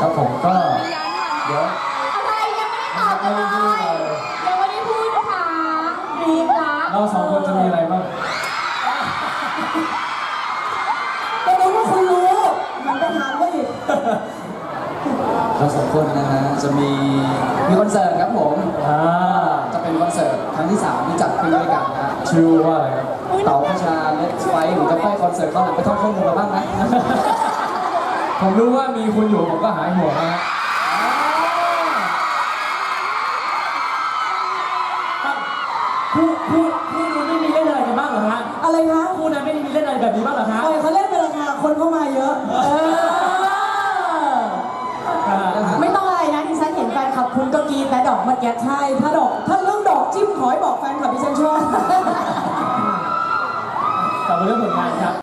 ครับผมก็เดี๋ยวอะไรยังไม่ได้ตอบกันเลยยังไม่ได้พูดนะคะรีบนะเราสองคนจะมีอะไรบ้างก็รู้ว่าคุณรู้มันไปถามว่าอีกเราสองคนนะฮะจะมีคอนเสิร์ตครับผมจะเป็นคอนเสิร์ตครั้งที่3ที่จัดขึ้นด้วยกันนะชื่อว่าอะไรครับเต๋าประชาเล็กไฟหรือจะไปคอนเสิร์ตเขาหลังไปท่องข้อมูลมาบ้างนะผมรู้ว่ามีคุณอยู่ผมก็หายห่วงนะคู่นู้นไม่มีเล่นอะไรกันบ้างเหรอฮะอะไรคะคู่นั้นไม่มีเล่นอะไรแบบนี้บ้างเหรอฮะเขาเล่นไปแล้วค่ะคนเข้ามาเยอะไม่ต้องอะไรนะที่ฉันเห็นแฟนคลับคุณก็กรีดแต่ดอกเมื่อกี้ใช่ถ้าเรื่องดอกจิ้มขอให้บอกแฟนคลับดิฉันชอบกลับมาเรื่องผลงานครับ